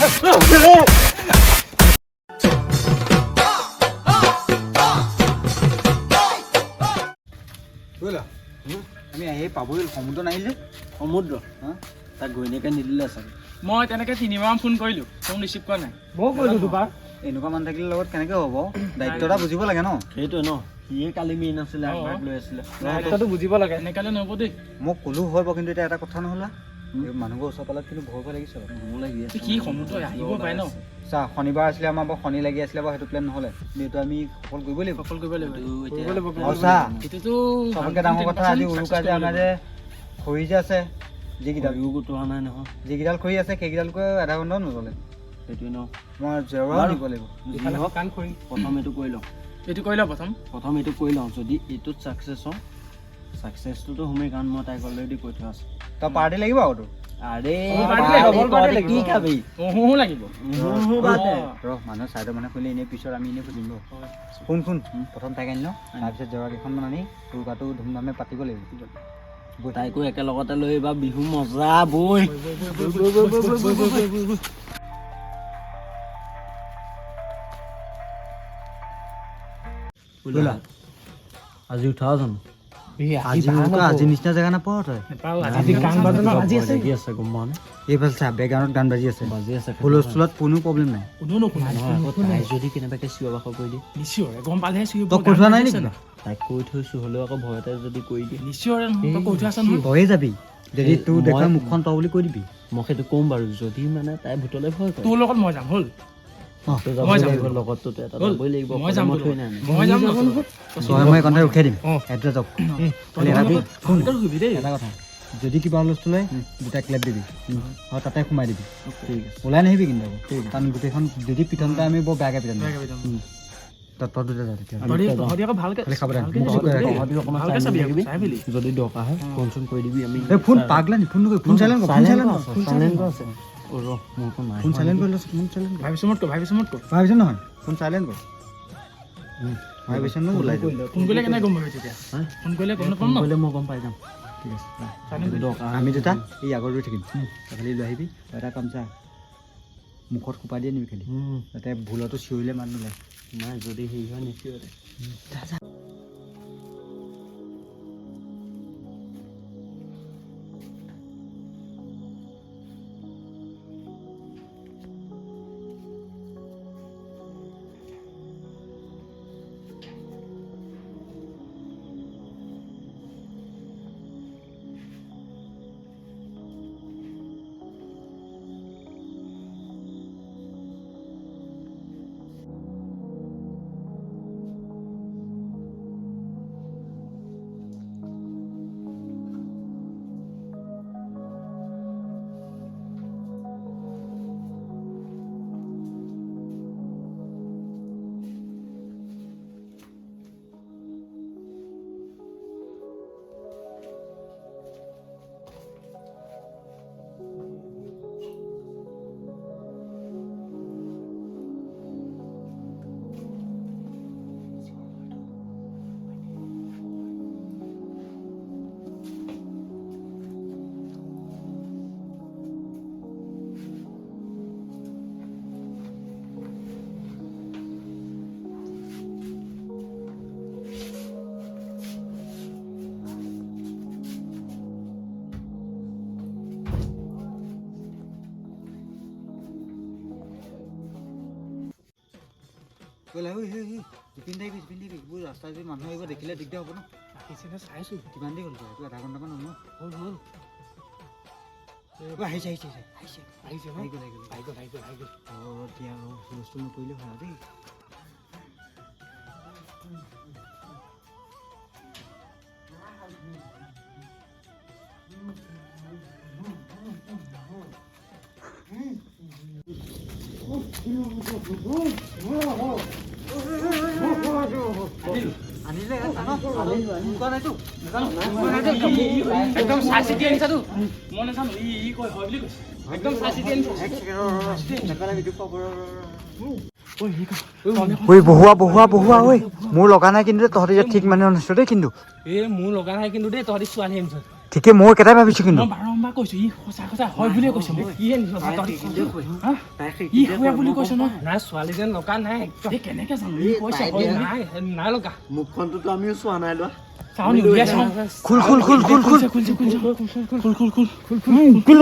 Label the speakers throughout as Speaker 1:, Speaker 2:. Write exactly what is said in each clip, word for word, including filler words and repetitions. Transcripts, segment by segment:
Speaker 1: আমি আহি পাবই সমুদ্ৰ নাহিলে
Speaker 2: সমুদ্ৰ তাক ঘৈণীয়েকে নিদিলে চাগে
Speaker 3: মই তেনেকে তিনিবাৰ ফোন কৰিলো ফোন ৰিচিভ কৰা নাই
Speaker 1: মই কৰিলো দুবাৰ এনেকুৱা মানুহ থাকিলে লগত কেনেকে হ'ব দায়িত্ব এটা বুজিব লাগে ন
Speaker 2: সেইটোৱে ন সিয়ে কালি মেইন আছিলে আগভাগ লৈ আছিলে
Speaker 3: দায়িত্বটো বুজিব লাগে এনেকালে নহ'ব দেই
Speaker 1: মই ক'লো হ'ব কিন্তু এতিয়া এটা কথা নহ'লা মানুহবোৰ ওচৰ পালত কিন্তু ভয় ভয় লাগিছে
Speaker 2: মোৰ লাগি আছে
Speaker 3: কি সমুদ্ৰ আহিব পাৰে ন
Speaker 1: চা শনিবাৰ আছিলে আমাৰ বাৰু শনি লাগি আছিলে বাৰু সেইটো প্লেন নহ'লে কিন্তু আমি সফল কৰিবই লাগিব
Speaker 3: সফল কৰিব লাগিব
Speaker 1: আৰু চা
Speaker 3: এইটোতো
Speaker 1: চবতকৈ ডাঙৰ কথা আজি উৰুকা যে আমাৰ যে খৰি যে আছে যিকেইডাল
Speaker 2: গোটোৱা নাই নহয়
Speaker 1: যিকেইডাল খৰি আছে সেইকেইডালকৈ আধা ঘণ্টাও নচলে
Speaker 2: সেইটোৱে ন
Speaker 1: মই জেওৰাও দিব লাগিব
Speaker 3: কাণ খৰি
Speaker 2: প্ৰথম এইটো কৰি লওঁ
Speaker 3: এইটো কৰি লওঁ প্ৰথম
Speaker 2: প্ৰথম এইটো কৰি লওঁ যদি এইটোত ছাকচেছ হওঁ ছাকচেছটোতো সোমেই কাৰণ মই তাইক অলৰেডি কৈ থোৱা আছে
Speaker 1: তই পাৰ্টি লাগিব আৰু তোৰ
Speaker 2: আৰে
Speaker 3: কি
Speaker 2: খাবি
Speaker 3: লাগিব
Speaker 1: ৰ মানুহ চাইডৰ মানুহ খুলিলে এনেই পিছত আমি এনেই খুলিম ৰ শুন শুন প্ৰথম তাইক আনি লওঁ তাৰপিছত জেওৰা কেইখনমান আনি উৰুকাটো ধুমধামে পাতিব লাগিব
Speaker 2: তাইকো একেলগতে লৈ এইবাৰ বিহু মজা বৈ আজি উঠাও জানো
Speaker 1: আজি নিচিনা জেগা নাপাওঁ তই এইফালে চা বেকগ্ৰাউণ্ডত গান বাজি আছে
Speaker 2: বাজি আছে
Speaker 1: হুলস্থুলত কোনো প্ৰব্লেম নাই
Speaker 2: তাই যদি কেনেবাকে চিঞৰ বাখৰ কৰি দিয়ে
Speaker 3: নিশ্চয় গম পালেহে চিঞৰ
Speaker 1: তই কৈ থোৱা নাই নেকি
Speaker 2: তাইক কৈ থৈছো হ'লেও আকৌ ভয়তে যদি কৰি দিয়ে
Speaker 3: নিশ্চয় কৈ থোৱা আছে নহয়
Speaker 1: তয়ে যাবি যদি তোৰ দেখা মুখখন তই বুলি কৈ দিবি
Speaker 2: মই সেইটো ক'ম বাৰু যদি মানে তাই ভূতলৈ ভয় কৰে
Speaker 3: তোৰ লগত মই যাম হ'ল
Speaker 2: লগততো এটা যাবই লাগিব
Speaker 3: মই যাম
Speaker 2: থৈ নাই
Speaker 3: মই যাম
Speaker 1: তই মই কণ্ঠে উঠাই দিম সেইটোৱে যাওক এটা কথা যদি কিবা হুলস্থুল হয় দুটা ক্লেপ দিবি আৰু তাতে সোমাই দিবি
Speaker 2: ঠিক আছে
Speaker 1: ওলাই নাহিবি কিন্তু কাৰণ গোটেইখন যদি পিটনতে আমি বৰ বেয়াকৈ পিটন তই দুটা যা তেতিয়া
Speaker 2: যদি দৰকাৰ হয় ফোন চোন কৰি দিবি আমি
Speaker 1: ফোন পাগলা নি ফোন নকৰি ফোন চাইলেণ্ট কৰ ফোন চাইলেণ্ট কৰ
Speaker 2: চাইলেণ্ট আছে ৰ মোৰটো নাই
Speaker 1: ফোন চাইলেণ্ট কৰি লৈছ ফোন চাইলেণ্ট কৰ
Speaker 3: ভাবিছো মত কৰ ভাবিছো মত কৰ
Speaker 1: ভাবিছ নহয় ফোন চাইলেণ্ট কৰ ভাবিছ ন ওলাই
Speaker 3: ফোন কৰিলে কেনে গম পাবি তেতিয়া ফোন কৰিলে গম নাপাম ন
Speaker 2: কৰিলে মই গম পাই যাম
Speaker 1: ঠিক আছে আমি দুটা এই আগত ৰৈ থাকিম খালি লৈ আহিবি এটা কাম চা মুখত সোপা দিয়ে নিবি খালি যাতে ভুলতো চিঞৰিলে মানুহ নোলায়
Speaker 2: নাই যদি হেৰি হয় নিশ্চয়
Speaker 1: পিন্ধাবি পিন্ধাবি এইবোৰ ৰাস্তা যদি মানুহ আহিব দেখিলে দিগদাৰ হ'ব ন
Speaker 3: চাইছো
Speaker 1: কিমান দেৰি হ'ল এইটো আধা ঘণ্টামান হ'ল ন
Speaker 3: হ'ল হ'ল
Speaker 1: আহিছে আহিছে আহিছে
Speaker 3: আহিছে
Speaker 1: আহি গ'ল আহি গ'ল
Speaker 3: আহি গ'ল আহি গ'ল আহি গ'ল
Speaker 1: অঁ এতিয়া হুলস্থুল নকৰিলে ভাল দেই
Speaker 3: একদম চাই চিতি আনিছা তো মই নাজানো ই ই কয় হয় বুলি কৈছে একদম চাই চিতি আনিছা
Speaker 1: ঐ বহুৱা বহুৱা বহুৱা ঐ মোৰ লগা নাই কিন্তু তহঁতি ঠিক মানে আনিছ দেই কিন্তু
Speaker 3: এই মোৰ লগা নাই কিন্তু দেই তহঁতি ছোৱালী আনিছ
Speaker 1: ঠিকে মই একেটাই ভাবিছোঁ কিন্তু
Speaker 3: মই বাৰম্বাৰ কৈছোঁ ই সঁচা সঁচা হয় বুলিয়ে কৈছে মোক ইয়ে নিজৰ ভাতত হা ই হয় বুলি কৈছে ন
Speaker 4: নাই ছোৱালীজন লগা নাই একদম
Speaker 3: এই কেনেকৈ জানো ই কৈছে হয় বুলি
Speaker 4: নাই নাই লগা
Speaker 2: মুখখনটোতো আমিও চোৱা নাই লোৱা
Speaker 3: চাওঁ নি উলিয়াই চাওঁ
Speaker 1: খুল খুল খুল খুল খুল
Speaker 3: খুলছে খুলছে খুল খুল খুল খুল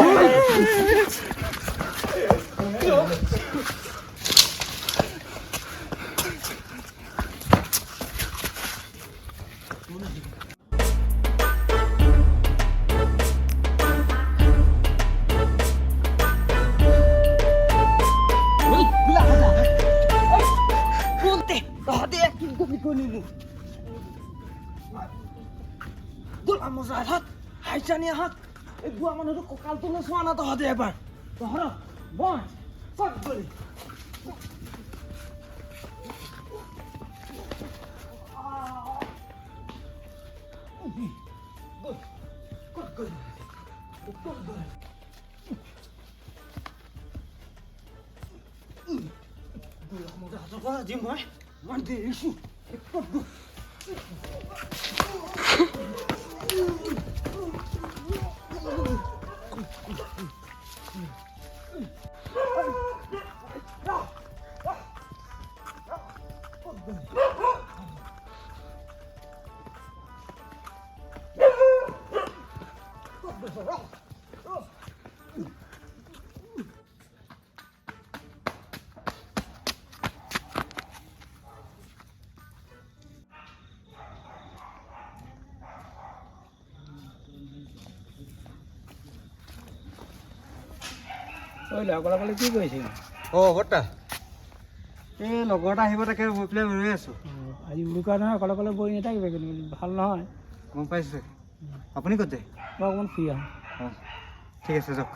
Speaker 4: ঐ লগৰ লগৰ কি কৰিছে
Speaker 1: অ বৰ্তা এই লগৰ এটা আহিব তাকে মই পেলাই ৰৈ আছোঁ
Speaker 4: আজি উৰুকা নহয় অকলে অকলে বহি নাথাকিব কিন্তু ভাল নহয়
Speaker 1: গম পাইছোঁ আপুনি ক'ত যায়
Speaker 4: মই অকণমান ফ্ৰী আহোঁ
Speaker 1: অঁ ঠিক আছে যাওক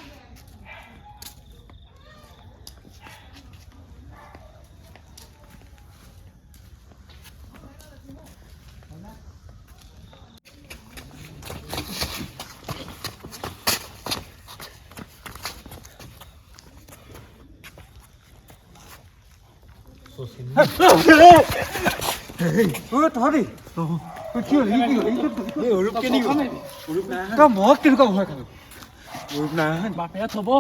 Speaker 1: তহঁতি কি হ'ল কি হ'ল অৰূপ কেনেকুৱা তই মই কেনেকুৱা ভয় খালোঁ অৰূপ নাই
Speaker 3: বাপেৰে থ'ব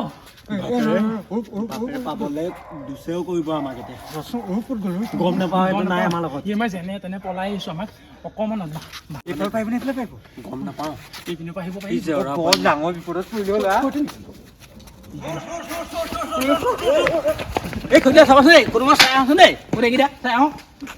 Speaker 2: পাবলৈ দুচেও কৰিব আমাক এতিয়া
Speaker 1: অৰূপ ক'ত গ'ল
Speaker 2: গম নাপাওঁ এইটো নাই আমাৰ লগত
Speaker 3: ই আমাৰ যেনে তেনে পলাই আহিছোঁ আমাক অকণমান
Speaker 1: এইফালে পাৰিবনে এইফালে পাৰিব
Speaker 2: গম নাপাওঁ
Speaker 3: এইপিনৰ পৰা আহিব
Speaker 2: এই
Speaker 3: পাৰিব
Speaker 2: জেওৰা
Speaker 1: বৰ ডাঙৰ বিপদত পৰিলে ল'ৰা
Speaker 3: এই খুদিয়া চাবাচোন দেই কোনোবা চাই আহোচোন দেই গোটেইকেইটা চাই আহোঁ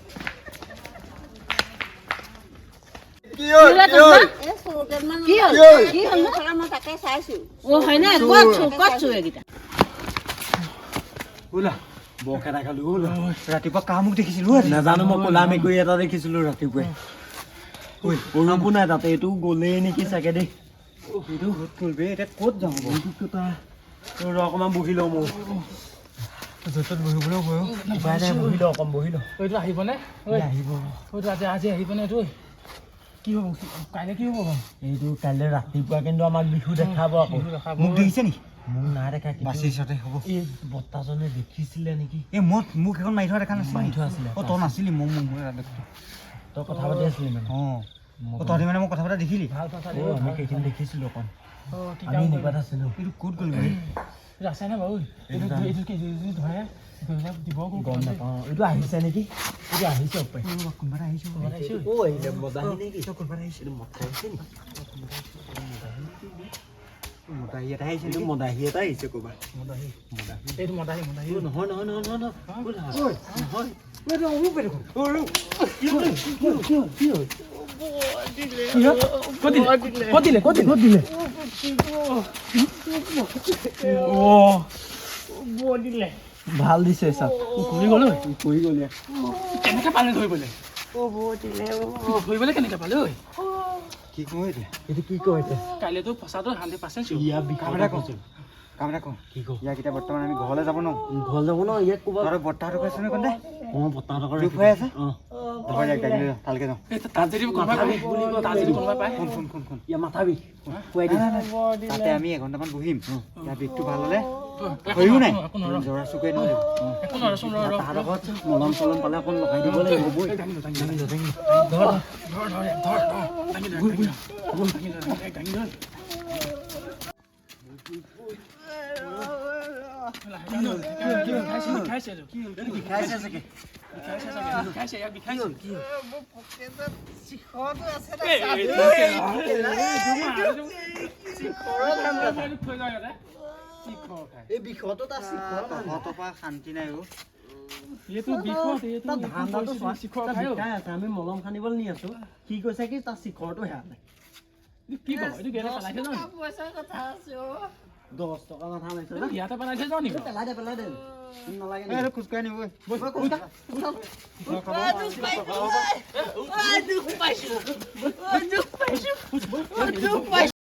Speaker 1: ওলা
Speaker 2: বৰখেদা খালো
Speaker 1: ৰাতিপুৱা কাহ মোক দেখিছিলোঁ
Speaker 2: নাজানো মই ক'লা মেকুৰী এটা দেখিছিলোঁ ৰাতিপুৱাই অৰূপো নাই তাতে এইটো গ'লেই নেকি চাগে দেই
Speaker 1: এইটো ক'ত গ'ল বে এতিয়া ক'ত যাওঁ
Speaker 2: ৰ অকণমান বহি লওঁ মোৰ
Speaker 1: য'ত বহিবলৈ বয়ো
Speaker 2: উপায় নাই বহি লওঁ অকণ বহি লওঁ
Speaker 3: এইটো আহিবনে
Speaker 1: আহিব
Speaker 3: এইটো আজি আজি আহিবনে এইটো কি হ'ব কাইলৈ কি হ'ব বাৰু
Speaker 2: এইটো কাইলৈ ৰাতিপুৱা কিন্তু আমাক বিহু দেখাব আকৌ
Speaker 1: মোক দেখিছে নেকি
Speaker 2: মোক নাই দেখা
Speaker 1: বাচিছতে হ'ব
Speaker 2: এই বৰ্তাজনে দেখিছিলে নেকি
Speaker 1: এই মই মোক এখন মাৰি থোৱা দেখা নাছিল
Speaker 2: মাৰি থোৱা আছিলে
Speaker 1: অঁ তই নাছিলি মোক মোক
Speaker 2: তই কথা পাতি আছিলি মানে
Speaker 1: অঁ অঁ তহঁতি মানে মই কথা পতা দেখিলি
Speaker 3: ভাল কথা
Speaker 2: অ আমি সেইখিনি দেখিছিলোঁ অকণ
Speaker 3: অঁ কি
Speaker 2: আমি
Speaker 3: কাম
Speaker 2: এনেকুৱাত আছিলোঁ
Speaker 1: এইটো ক'ত গ'ল
Speaker 3: এইটো আছে নে বাৰু এইটো এইটো কি যদি ধৰে দিব
Speaker 2: গম নাপাওঁ এইটো আহিছে নেকি এইটো আহিছে পাই
Speaker 1: কোনোবা এটা আহিছে
Speaker 2: অ আহিলে মদাহী নেকি
Speaker 1: কোনোবা এটা আহিছে
Speaker 2: এইটো মতা আহিছে নেকি
Speaker 1: মতাহি এটা আহিছে
Speaker 2: এইটো মদাহী এটা আহিছে ক'ৰবাত
Speaker 3: মদাহী এইটো মদাহী মদাহী
Speaker 2: নহয় নহয় নহয় নহয় নহয় নহয়
Speaker 3: ক'ত দিলে ক'ত দিলে ক'ত দিলে দিলে
Speaker 2: ভাল দিছে চাওক
Speaker 3: কৰি গ'ল
Speaker 2: কৰি গ'লে
Speaker 3: কেনেকৈ পালে ধৰিবলৈ ধৰিবলৈ কেনেকৈ পালে ঐ
Speaker 1: কি কওঁ এতিয়া
Speaker 2: এইটো কি কয় এতিয়া
Speaker 3: কাইলৈতো ফচাটো হাণ্ড্ৰেড পাৰ্চেণ্ট
Speaker 2: ইয়াৰ
Speaker 1: কাম
Speaker 2: বিষয়ে
Speaker 1: এটা কওঁ কাম এটা কওঁ
Speaker 2: কি কওঁ
Speaker 1: ইয়াক এতিয়া বৰ্তমান আমি ঘৰলৈ যাব নোৱাৰোঁ
Speaker 2: ঘৰ যাব ন ইয়াত ক'ৰবাত
Speaker 1: তহঁতৰ বৰ্তাহঁতক আছে নহয় কন্দে
Speaker 2: অঁ বৰ্তাহঁতৰ
Speaker 1: দুখ হৈ আছে
Speaker 2: অঁ
Speaker 1: ধৰ ইয়াক ডাকি লৈ যাওঁ ভালকৈ যাওঁ
Speaker 3: তাত যদি কোনোবাই পায় তাত যদি কোনোবাই পায়
Speaker 1: শুন শুন শুন শুন
Speaker 2: ইয়াৰ মাথা বিষ খুৱাই দিম
Speaker 1: তাতে আমি এঘণ্টামান বহিম ইয়াৰ বিষটো ভাল হ'লে হয়ো নাই
Speaker 3: একো নহয়
Speaker 1: জৰা চুকুৱে নহয়
Speaker 3: একো নহয় চোন ৰ
Speaker 2: তাহাঁতৰ ঘৰত মলম চলম পালে অকণ লগাই দিব লাগিব বৈ
Speaker 3: ধৰ ধৰ ধৰ ধৰ দাঙি ধৰ দাঙি ধৰ দাঙি ধৰ খাইছে
Speaker 2: খাইছে চাগে
Speaker 3: খাইছে ইয়াক খাইছে কি
Speaker 2: এই বিষতো তাৰ শিখৰ
Speaker 1: তহঁতৰ পৰা শান্তি নাই অ'
Speaker 3: এইটো বিষত এইটো
Speaker 2: ধান্দাটো চোৱা
Speaker 3: শিখৰ
Speaker 2: তাৰ
Speaker 3: খাই
Speaker 2: বিষাই আছে আমি মলম সানিবলৈ নি আছো সি কৈছে কি তাৰ শিখৰটো হেৰা নাই
Speaker 3: কি কয় এইটো গেলে পেলাইছে জানো
Speaker 2: দহ টকা মাথা মাৰিছে না
Speaker 3: ইয়াতে পেলাইছে জানো নেকি
Speaker 2: পেলাই দে পেলাই দে নালাগে
Speaker 1: এই এইটো খোজকাঢ়ি নিব
Speaker 3: দুখ পাইছো